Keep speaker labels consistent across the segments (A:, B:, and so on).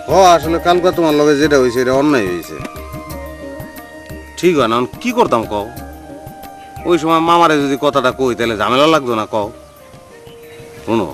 A: আসলে কালকে তোমার লগে যেটা হয়েছে এটা অন্যায় হয়েছে। ঠিক হয় না, কি করতাম কও? ওই সময় মামারে যদি কথাটা কই তাহলে ঝামেলা লাগতো না কও? শোনো,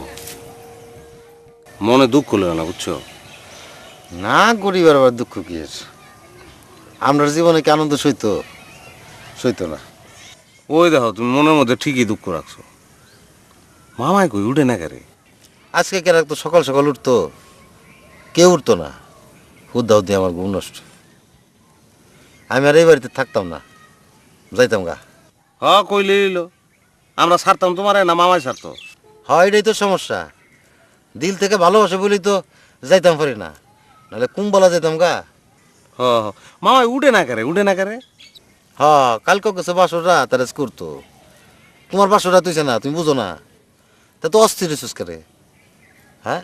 A: মনে দুঃখ লেও না, বুঝছো?
B: না, গরিবের আবার দুঃখ কি আছে? আমরা জীবনে কি আনন্দ সইতো না।
A: ওই দেখো, তুমি মনের মধ্যে ঠিকই দুঃখ রাখছো। মামাই কই উঠে না কেরে?
B: আজকে কেন তো সকাল সকাল উঠতো, কেউ উঠতো না। হুদ্দা হুদ্দি আমার ঘুম নষ্ট। আমি আর এই বাড়িতে থাকতাম না, যাইতাম গা।
A: কইলে এলো আমরা ছাড়তাম তোমারে, না মামাই ছাড়তো?
B: হয়, এটাই তো সমস্যা। দিল থেকে ভালোবাসে বলেই তো যাইতাম পারি না, নাহলে কুম্বলা যাইতাম গা।
A: মামাই উঠে না কেরে?
B: কালকে গেছে বাসরা তারা করতো। তোমার বাসরা তুইছে না, তুমি বুঝো না। তা তো অস্থির হইছিস করে। হ্যাঁ,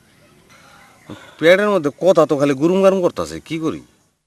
A: পেটের মধ্যে কথা তো খালি গুরুম গারুম করতেছে, কি করি?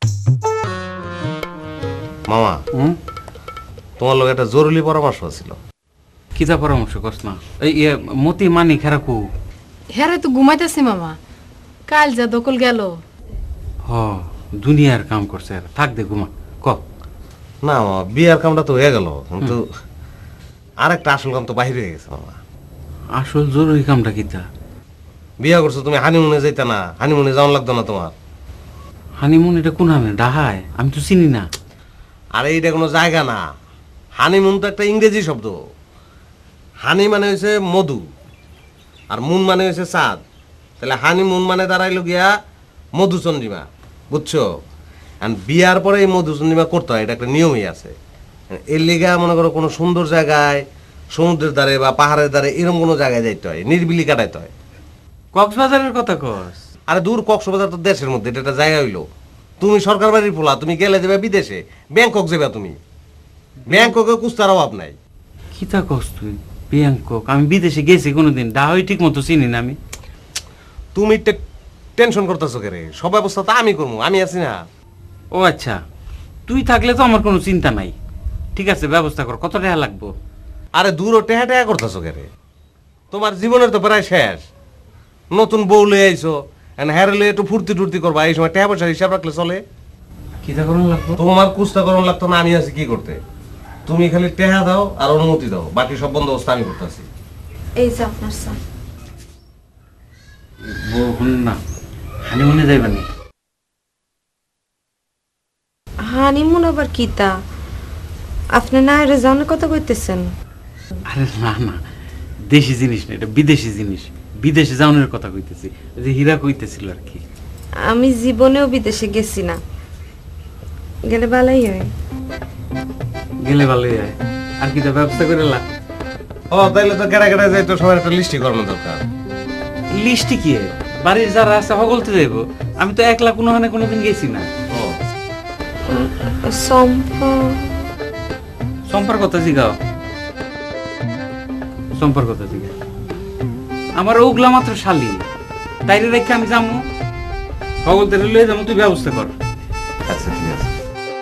A: মামা, তোমার লোক একটা জরুরি পরামর্শ ছিল।
C: কিতা পরামর্শ কস না? এই মতি মানি খেরাকু।
D: হ্যাঁ তো ঘুমাইতেছি মামা, কাল যা দকল গেল।
C: দুনিয়ার কাম করছে, থাক দে ঘুমা। ক
A: না মামা, বিয়ার কামটা তো হয়ে গেল, কিন্তু আর একটা আসল কাম তো বাহির হয়ে গেছে মামা।
C: আসল জরুরি কামটা কিতা?
A: বিয়া করছো তুমি, হানিমুনে যাইতা না? হানিমুনে যাওয়ান লাগতো না তোমার?
C: হানিমুন এটা কোন হামে? ডাহায়, আমি তো চিনি না।
A: আরে এইটা কোনো জায়গা না। হানিমুন তো একটা ইংরেজি শব্দ। হানি মানে হয়েছে মধু, আর মুন মানে হয়েছে চাঁদ। তাহলে হানিমুন মানে দাঁড়াইলো গিয়া মধুচন্দ্রিমা, বুঝছো? আর বিয়ার পরে এই মধুচন্দ্রিমা করতে হয়, এটা একটা নিয়মই আছে। এর লিগা মনে করো কোনো সুন্দর জায়গায়, সমুদ্রের ধারে বা পাহাড়ের ধারে, এরকম কোনো জায়গায় যাইতে হয়, নির্বিলি কাটাইতে হয়।
C: কক্সবাজারের কথা কস?
A: আরে দূর, কক্সবাজার তো দেশের মধ্যে, এটা একটা জায়গা হইলো। তুমি সরকার বাড়ির পোলা, তুমি গেলে যাবে বিদেশে, ব্যাংকক যাবে তুমি। ব্যাংককে কুস্তার অভাব নাই।
C: কিতা কস তুই? ব্যাংকক? আমি বিদেশে গেছি কোনোদিন, ডাহাই ঠিক মতো চিনি না আমি।
A: তুমি টেনশন করতেছো কেরে? সব ব্যবস্থা তো আমি করবো, আমি আছি না।
C: ও আচ্ছা, তুই থাকলে তো আমার কোনো চিন্তা নাই। ঠিক আছে, ব্যবস্থা কর। কত টাকা লাগবো?
A: আরে দূর, টেহা টেহা করতেছো কেরে? তোমার জীবনের তো প্রায় শেষ। নতুন বউ লয়ে আইছো, হ্যারেলে একটু ফুর্তি টুর্তি করবা, এই সময় টেহা পয়সার হিসাব রাখলে চলে?
C: কিতা করুন লাগবো?
A: তোমার কুস্তা করণ লাগতো না, আমি আছি কি করতে। তুমি খালি টেহা দাও আর অনুমতি দাও, বাকি সব বন্দোবস্ত আমি করতেছি।
D: এই যে আপনার স্যার।
C: বলুন না, হানিমুনে যাইবানি?
D: হানিমুন আবার কিতা? আপনি না এর জানে কথা কইতেছেন?
C: আরে না না, দেশি জিনিস না, এটা বিদেশি জিনিস। বিদেশে যাওয়ানোর কথা কইতেছি, যে হীরা কইতেছিল আর কি।
D: আমি জীবনেও বিদেশে গেছি না, গেলে ভালোই হয়।
C: গেলে ভালোই হয়। আর কিতা ব্যবস্থা করে লা?
A: তাইলে তো কেড়া কেড়া যাই, তো সবার একটা লিস্টি করানো দরকার।
C: লিস্টি কি? বাড়ির যারা আছে সকলতে যাইব। আমি তো একলা কোনোখানে কোনোদিন গেছি না। সম্পর্ক কথা জিগাও, সম্পর্ক কথা জিগাও। আমার ওগুলা মাত্র শালি, তাইলে রেখে আমি যাবো, সকলতে লয়ে যাবো। তুই ব্যবস্থা কর।
A: আচ্ছা ঠিক আছে।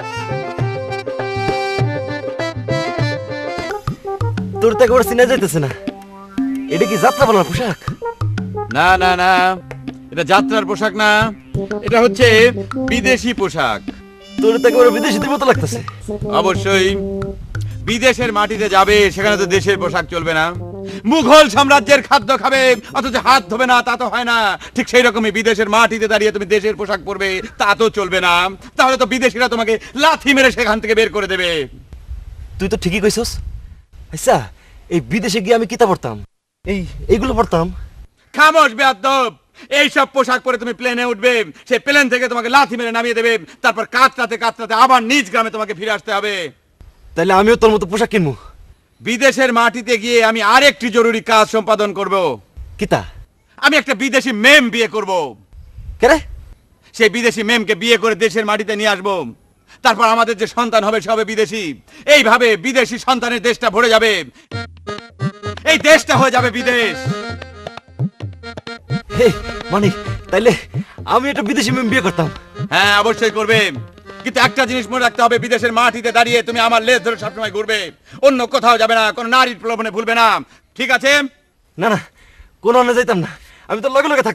E: তোর তো একবার চিনা যাইতেছে না। এটা কি যাত্রা বলার পোশাক?
F: না না না, এটা যাত্রার পোশাক না, এটা হচ্ছে বিদেশি পোশাক।
E: তোর তো একবার বিদেশিদের মতো লাগতেছে।
F: অবশ্যই, বিদেশের মাটিতে যাবে, সেখানে তো দেশের পোশাক চলবে না। মুঘল সাম্রাজ্যের খাদ্য খাবে অথচ হাত ধোবে না, তা তো হয় না। ঠিক সেই রকমই বিদেশের মাটিতে দাঁড়িয়ে তুমি দেশের পোশাক পরবে, তা তো চলবে না। তাহলে তো বিদেশিরা তোমাকে লাথি মেরে সেখান থেকে বের করে দেবে।
E: তুই তো ঠিকই কইছস। আচ্ছা, এই বিদেশে গিয়ে আমি কিতা পড়তাম? এইগুলো পড়তাম।
F: খামোশ বেয়াদব! এইসব পোশাক পরে তুমি প্লেনে উঠবে, সেই প্লেন থেকে তোমাকে লাথি মেরে নামিয়ে দেবে, তারপর কাতরাতে কাতরাতে আবার নিজ গ্রামে তোমাকে ফিরে আসতে হবে।
E: তাইলে আমিও তোর মতো পোশাক কিনবো।
F: বিদেশের মাটিতে গিয়ে আমি আরেকটি জরুরি কাজ সম্পাদন করব।
E: কিতা?
F: আমি একটা বিদেশি মেম বিয়ে করব।
E: কেরে?
F: সেই বিদেশি মেমকে বিয়ে করে দেশের মাটিতে নিয়ে আসবো। তারপর আমাদের যে সন্তান হবে সে হবে বিদেশি। এইভাবে বিদেশি সন্তানের দেশটা ভরে যাবে, এই দেশটা হয়ে যাবে বিদেশ।
E: হে মানিক, তাইলে আমি একটা বিদেশি মেয়ে বিয়ে করতাম।
F: হ্যাঁ, অবশ্যই করবে, কিন্তু একটা জিনিস মনে রাখতে হবে, বিদেশের মাটিতে দাঁড়িয়ে তুমি আমার লেজ ধরে সবসময় ঘুরবে, অন্য কোথাও যাবে না, কোনো নারীর প্রলোভনে ভুলবে না, ঠিক আছে?
E: না না, কোনো অন্য যাইতাম না, আমি তো লগে লগে থাকতাম।